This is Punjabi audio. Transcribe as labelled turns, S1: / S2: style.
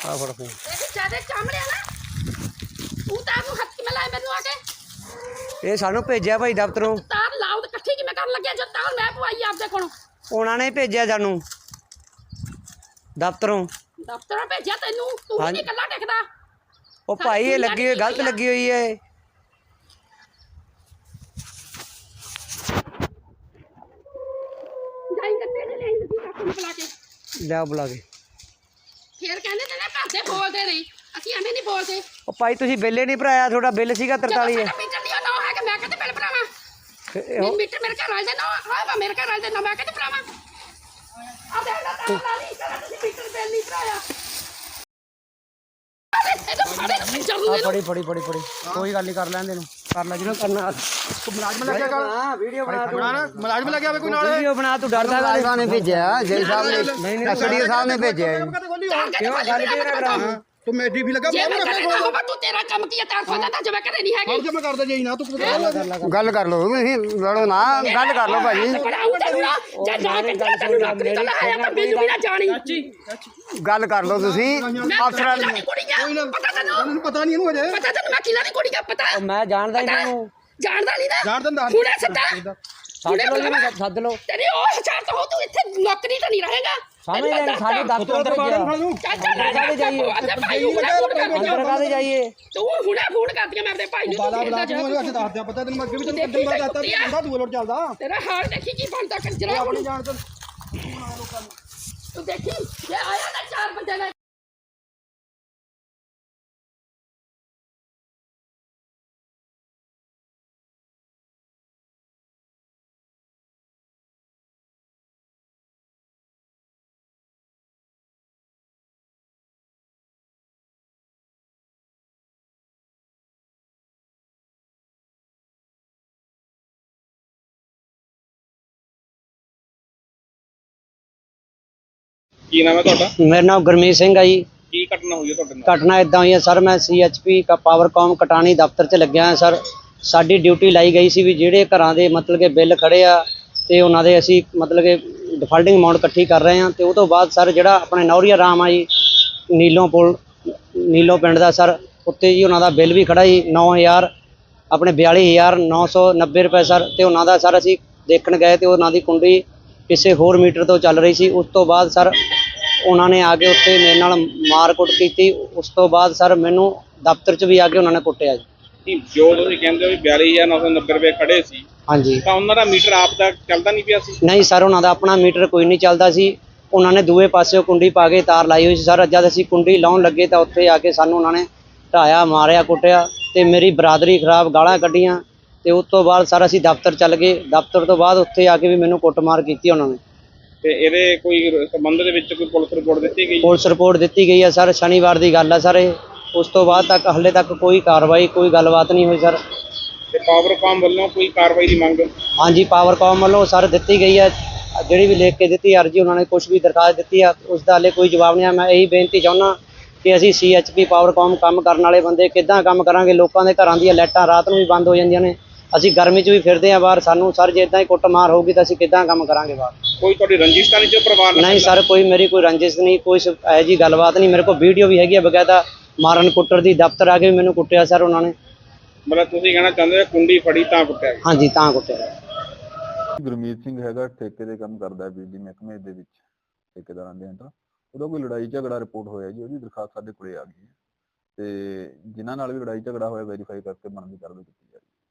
S1: ਆ ਫੜ ਫੋਨ
S2: ਜਿਆਦਾ ਚਾਮੜਿਆ ਨਾ ਤੂੰ ਤਾਂ ਨੂੰ ਹੱਥ ਕਿਵੇਂ ਲਾਇਆ ਮੈਨੂੰ ਆ ਕੇ
S1: ਇਹ ਸਾਨੂੰ ਭੇਜਿਆ ਭਾਈ ਦਫ਼ਤਰੋਂ
S2: ਤਾਰ ਲਾਉ ਤੇ ਇਕੱਠੀ ਕਿਵੇਂ ਕਰਨ ਲੱਗਿਆ ਜਦ ਤਾਰ ਮੈਂ ਪਵਾਈ ਆਪਦੇ ਕੋਲੋਂ
S1: ਉਹਨਾਂ ਨੇ ਭੇਜਿਆ ਸਾਨੂੰ ਦਫ਼ਤਰੋਂ
S2: ਭੇਜਿਆ ਤੈਨੂੰ ਤੂੰ ਵੀ ਨਹੀਂ ਇਕੱਲਾ ਟਿਕਦਾ
S1: ਉਹ ਭਾਈ ਇਹ ਲੱਗੀ ਹੋਈ ਗਲਤ ਲੱਗੀ ਹੋਈ ਹੈ
S2: ਜਾਈ ਕੱਤੇ ਨੇ ਲਈ ਤੂੰ ਕਾਕੂ ਨੂੰ ਬੁਲਾ ਕੇ
S1: ਲਿਆ ਬੁਲਾ ਕੇ
S2: ਫੇਰ ਕਹਿੰਦੇ ਨੇ ਘਰ ਦੇ ਬੋਲਦੇ ਨਹੀਂ ਅਸੀਂ ਐਵੇਂ ਨਹੀਂ ਬੋਲਦੇ
S1: ਉਹ ਭਾਈ ਤੁਸੀਂ ਬਿੱਲ ਨਹੀਂ ਭਰਾਇਆ ਤੁਹਾਡਾ ਬਿੱਲ ਸੀਗਾ 43 ਹੈ
S2: ਮੀਟਰ ਦੀ ਨਾ ਹੈ ਕਿ ਮੈਂ ਕਹਿੰਦੇ ਬਿੱਲ ਭਰਾਵਾਂ ਮੀਟਰ ਮੇਰੇ ਘਰ ਵਾਲੇ ਦੇ ਨਾ ਹਾਂ ਮੇਰੇ ਘਰ ਵਾਲੇ ਦੇ ਨਾ ਮੈਂ ਕਹਿੰਦੇ ਭਰਾਵਾਂ ਆ ਦੇ ਨਾ ਤਾਂ ਨਹੀਂ ਕਰਾ ਤੁਸੀਂ ਮੀਟਰ ਬਿੱਲ ਨਹੀਂ ਭਰਾਇਆ ਫੜੀ ਕੋਈ ਗੱਲ ਨਹੀਂ ਕਰ ਲੈਂਦੇ ਨੂੰ ਕਰ ਲੈ ਜਿਹਨੂੰ ਕਰਨਾ
S1: ਮੁਲਾਜ਼ਮ ਲੱਗਿਆ ਕਰ ਵੀਡੀਓ ਬਣਾ
S3: ਮੁਲਾਜ਼ਮ ਲੱਗਿਆ ਵੇ ਕੋਈ ਨਾਲ
S1: ਵੀਡੀਓ ਬਣਾ ਤੂੰ ਡਰਦਾ ਕਾਹਦੇ
S3: ਨੇ ਭੇਜਿਆ ਜੈ ਸਾਹਿਬ ਨੇ
S1: ਨਹੀਂ
S3: ਐਸਡੀਓ ਸਾਹਿਬ ਨੇ ਭੇਜਿਆ
S1: ਕਿਉਂ ਗੱਲ ਕੀ ਨਾ ਕਰਾਂ
S3: ਤੂੰ ਮੇਡੀ ਵੀ ਲੱਗਾ
S2: ਜੇ ਮੈਂ ਕਰਦਾ ਹੋਵਾ ਤੂੰ ਤੇਰਾ ਕੰਮ ਕੀ ਹੈ ਤਾਂ ਖੋਦਾ ਤਾਂ ਜਮਾ ਕਰੇ ਨਹੀਂ ਹੈਗੀ
S3: ਜਮਾ ਕਰਦਾ ਜੇ ਨਾ ਤੂੰ ਗੱਲ ਕਰ ਲਓ ਤੁਸੀਂ ਲੜੋ ਨਾ ਗੱਲ ਕਰ ਲਓ ਭਾਜੀ
S2: ਜੇ ਨਾ ਕਰਦਾ ਤੈਨੂੰ ਨੌਕਰੀ ਤੋਂ ਲਾਇਆ ਤਾਂ ਮੈਨੂੰ ਵੀ ਨਾ ਜਾਣੀ
S3: ਗੱਲ ਕਰ ਲਓ ਤੁਸੀਂ ਅਫਸਰਾਂ
S2: ਨੂੰ ਕੋਈ ਨਾ ਪਤਾ ਤੈਨੂੰ
S3: ਪਤਾ ਨਹੀਂ ਇਹਨੂੰ ਅਜੇ
S2: ਪਤਾ ਤੈਨੂੰ ਮੈਂ ਕਿਲਾ ਦੀ ਕੁੜੀ ਦਾ ਪਤਾ
S1: ਮੈਂ ਜਾਣਦਾ ਹੀ ਨਹੀਂ
S2: ਜਾਣਦਾ ਨਹੀਂ ਨਾ
S3: ਜਾਣ ਦਿੰਦਾ
S2: ਹੁਣੇ ਸੱਦਾ
S1: ਸੱਦ ਲਓ
S2: ਤੇਰੀ ਉਹ ਹਜ਼ਾਰ ਤਾਂ ਹੋ ਤੂੰ ਇੱਥੇ ਨੌਕਰੀ ਤਾਂ ਨਹੀਂ ਰਹੇਗਾ
S1: ਸਮਝ ਲੈ ਸਾਡੇ ਦਫ਼ਤਰ ਅੰਦਰ ਕਾਹਦੇ ਜਾਈਏ ਅੰਦਰ ਕਾਹਦੇ ਜਾਈਏ
S2: ਤੂੰ ਹੁਣੇ ਫੋਨ ਕਰਦੀਆਂ ਮੈਂ ਆਪਣੇ ਭਾਈ ਨੂੰ
S3: ਬਾਲਾ ਬਲਾ ਤੂੰ ਅੱਜ ਦੱਸ ਦਿਆ ਪਤਾ ਤੈਨੂੰ ਅੱਗੇ ਵੀ ਤੈਨੂੰ ਕੱਢਣ ਵਾਲਾ ਦੱਸਦਾ ਬੰਦਾ ਦੂਏ ਲੋਟ ਚੱਲਦਾ
S2: ਤੇਰਾ ਹਾਲ ਦੇਖੀ ਕੀ ਬਣਦਾ ਕੰਜਰਾ ਹੁਣ
S3: ਜਾਣ ਤੇ
S2: ਤੂੰ ਦੇਖੀ ਜੇ ਆਇਆ ਨਾ ਚਾਰ ਬੰਦੇ ਨੇ
S4: ਕੀ ਨਾਮ ਹੈ ਤੁਹਾਡਾ?
S1: ਮੇਰਾ ਨਾਮ ਗੁਰਮੀਤ ਸਿੰਘ ਹੈ ਜੀ।
S4: ਕੀ ਘਟਨਾ ਹੋਈ ਹੈ ਤੁਹਾਡੇ ਨਾਲ?
S1: ਘਟਨਾ ਇਦਾਂ ਹੋਈ ਹੈ ਸਰ, ਮੈਂ CHP ਪਾਵਰਕੌਮ ਕਟਾਣੀ ਦਫ਼ਤਰ 'ਚ ਲੱਗਿਆ ਹਾਂ ਸਰ। ਸਾਡੀ ਡਿਊਟੀ ਲਾਈ ਗਈ ਸੀ ਵੀ ਜਿਹੜੇ ਘਰਾਂ ਦੇ ਮਤਲਬ ਕਿ ਬਿੱਲ ਖੜੇ ਆ ਤੇ ਉਹਨਾਂ ਦੇ ਅਸੀਂ ਮਤਲਬ ਕਿ ਡਿਫਾਲਟਿੰਗ ਅਮਾਊਂਟ ਇਕੱਠੀ ਕਰ ਰਹੇ ਹਾਂ। ਤੇ ਉਹ ਤੋਂ ਬਾਅਦ ਸਰ ਜਿਹੜਾ ਆਪਣੇ ਨੌਰੀਆ ਰਾਮ ਆ ਜੀ ਨੀਲੋਂ ਪਿੰਡ ਦਾ ਸਰ, ਉੱਤੇ ਜੀ ਉਹਨਾਂ ਦਾ ਬਿੱਲ ਵੀ ਖੜਾ ਜੀ 9000 ਆਪਣੇ 42990 ਰੁਪਏ ਸਰ। ਤੇ ਉਹਨਾਂ ਦਾ ਸਰ ਅਸੀਂ ਦੇਖਣ ਗਏ ਤੇ ਉਹਨਾਂ ਦੀ ਕੁੰਡੀ ਕਿਸੇ ਹੋਰ ਮੀਟਰ ਤੋਂ ਚੱਲ ਰਹੀ ਸੀ। ਉਸ ਤੋਂ ਬਾਅਦ ਸਰ ਉਹਨਾਂ ਨੇ ਆ ਕੇ ਉੱਥੇ ਮੇਰੇ ਨਾਲ ਮਾਰ ਕੁੱਟ ਕੀਤੀ। ਉਸ ਤੋਂ ਬਾਅਦ ਸਰ ਮੈਨੂੰ ਦਫ਼ਤਰ 'ਚ ਵੀ ਆ ਕੇ ਉਹਨਾਂ ਨੇ ਕੁੱਟਿਆ ਜੀ।
S4: ਜੋ ਤੁਸੀਂ ਕਹਿੰਦੇ ਹੋ ਵੀ 42990 ਰੁਪਏ ਖੜੇ ਸੀ,
S1: ਹਾਂਜੀ,
S4: ਤਾਂ ਉਹਨਾਂ ਦਾ ਮੀਟਰ ਆਪ ਦਾ ਚੱਲਦਾ ਨਹੀਂ ਪਿਆ ਸੀ?
S1: ਨਹੀਂ ਸਰ, ਉਹਨਾਂ ਦਾ ਆਪਣਾ ਮੀਟਰ ਕੋਈ ਨਹੀਂ ਚੱਲਦਾ ਸੀ। ਉਹਨਾਂ ਨੇ ਦੂਏ ਪਾਸਿਓਂ ਕੁੰਡੀ ਪਾ ਕੇ ਤਾਰ ਲਾਈ ਹੋਈ ਸੀ ਸਰ। ਜਦ ਅਸੀਂ ਕੁੰਡੀ ਲਾਉਣ ਲੱਗੇ ਤਾਂ ਉੱਥੇ ਆ ਕੇ ਸਾਨੂੰ ਉਹਨਾਂ ਨੇ ਢਾਇਆ, ਮਾਰਿਆ, ਕੁੱਟਿਆ ਤੇ ਮੇਰੀ ਬਰਾਦਰੀ ਖਰਾਬ, ਗਾਲਾਂ ਕੱਢੀਆਂ। ਤੇ ਉਸ ਤੋਂ ਬਾਅਦ ਸਰ ਅਸੀਂ ਦਫ਼ਤਰ ਚੱਲ ਗਏ। ਦਫ਼ਤਰ ਤੋਂ ਬਾਅਦ ਉੱਥੇ ਆ ਕੇ ਵੀ ਮੈਨੂੰ ਕੁੱਟਮਾਰ ਕੀਤੀ ਉਹਨਾਂ ਨੇ।
S4: ਤੇ ਇਹਦੇ ਕੋਈ ਸੰਬੰਧ ਦੇ ਵਿੱਚ ਕੋਈ ਪੁਲਿਸ ਰਿਪੋਰਟ ਦਿੱਤੀ ਗਈ?
S1: ਪੁਲਿਸ ਰਿਪੋਰਟ ਦਿੱਤੀ ਗਈ ਹੈ ਸਰ, ਸ਼ਨੀਵਾਰ ਦੀ ਗੱਲ ਹੈ ਸਰ ਇਹ। ਉਸ ਤੋਂ ਬਾਅਦ ਤੱਕ ਹਾਲੇ ਤੱਕ ਕੋਈ ਕਾਰਵਾਈ, ਕੋਈ ਗੱਲਬਾਤ ਨਹੀਂ ਹੋਈ ਸਰ।
S4: ਤੇ ਪਾਵਰਕਾਮ ਵੱਲੋਂ ਕੋਈ ਕਾਰਵਾਈ ਦੀ ਮੰਗ?
S1: ਹਾਂਜੀ, ਪਾਵਰਕਾਮ ਵੱਲੋਂ ਸਰ ਦਿੱਤੀ ਗਈ ਹੈ, ਜਿਹੜੀ ਵੀ ਲਿਖ ਕੇ ਦਿੱਤੀ ਅਰਜੀ, ਉਹਨਾਂ ਨੇ ਕੁਛ ਵੀ ਦਰਖਾਸਤ ਦਿੱਤੀ ਆ, ਉਸ ਦਾ ਹਾਲੇ ਕੋਈ ਜਵਾਬ ਨਹੀਂ ਆ। ਮੈਂ ਇਹੀ ਬੇਨਤੀ ਚਾਹੁੰਦਾ ਕਿ ਅਸੀਂ CHP ਪਾਵਰਕਾਮ ਕੰਮ ਕਰਨ ਵਾਲੇ ਬੰਦੇ ਕਿੱਦਾਂ ਕੰਮ ਕਰਾਂਗੇ? ਲੋਕਾਂ ਦੇ ਘਰਾਂ ਦੀਆਂ ਲਾਈਟਾਂ ਰਾਤ ਨੂੰ ਵੀ ਬੰਦ ਹੋ ਜਾਂਦੀਆਂ ਨੇ, ਅਸੀਂ ਗਰਮੀ 'ਚ ਵੀ ਫਿਰਦੇ ਹਾਂ ਬਾਹਰ। ਸਾਨੂੰ ਸਰ ਜੇ ਇੱਦਾਂ ਹੀ ਕੁੱਟਮਾਰ ਹੋਊਗੀ ਤਾਂ ਅਸੀਂ ਕਿੱਦਾਂ ਕੰਮ ਕਰਾਂਗੇ ਬਾਹਰ?
S4: ਕੋਈ ਤੁਹਾਡੀ ਰੰਜਿਸ਼ ਤਾਂ ਨਹੀਂ ਜੋ ਪਰਿਵਾਰ ਨਾਲ?
S1: ਨਹੀਂ ਸਰ, ਕੋਈ ਮੇਰੀ ਕੋਈ ਰੰਜਿਸ਼ ਨਹੀਂ, ਕੋਈ ਇਹੋ ਜਿਹੀ ਗੱਲਬਾਤ ਨਹੀਂ। ਮੇਰੇ ਕੋਲ ਵੀਡੀਓ ਵੀ ਹੈਗੀ ਹੈ ਬਕਾਇਦਾ ਮਾਰਨ ਕੁੱਟਰ ਦੀ। ਦਫ਼ਤਰ ਆ ਕੇ ਵੀ ਮੈਨੂੰ ਕੁੱਟਿਆ ਸਰ ਉਹਨਾਂ ਨੇ।
S4: ਮਤਲਬ ਤੁਸੀਂ ਕਹਿਣਾ ਚਾਹੁੰਦੇ ਹੋ ਕੁੰਡੀ ਫੜੀ ਤਾਂ ਕੁੱਟਿਆ ਗਿਆ?
S1: ਹਾਂਜੀ, ਤਾਂ ਕੁੱਟਿਆ।
S5: ਗੁਰਮੀਤ ਸਿੰਘ ਹੈਗਾ, ਠੇਕੇ ਦੇ ਕੰਮ ਕਰਦਾ ਬਿਜਲੀ ਮਹਿਕਮੇ ਦੇ ਵਿੱਚ, ਠੇਕੇਦਾਰਾਂ ਦੇ ਅੰਦਰ। ਉਹਦਾ ਕੋਈ ਲੜਾਈ ਝਗੜਾ ਰਿਪੋਰਟ ਹੋਇਆ ਜੀ, ਉਹਦੀ ਦਰਖਾਸਤ ਸਾਡੇ ਕੋਲੇ ਆ ਗਈ ਹੈ ਤੇ ਜਿਨ੍ਹਾਂ ਨਾਲ ਵੀ ਲੜਾਈ ਝਗੜਾ ਹੋਇਆ ਵੈਰੀਫਾਈ ਕਰਕੇ ਬਣਦੀ ਕਾਰਵਾਈ ਕੀਤੀ ਜਾ ਰਹੀ ਹੈ।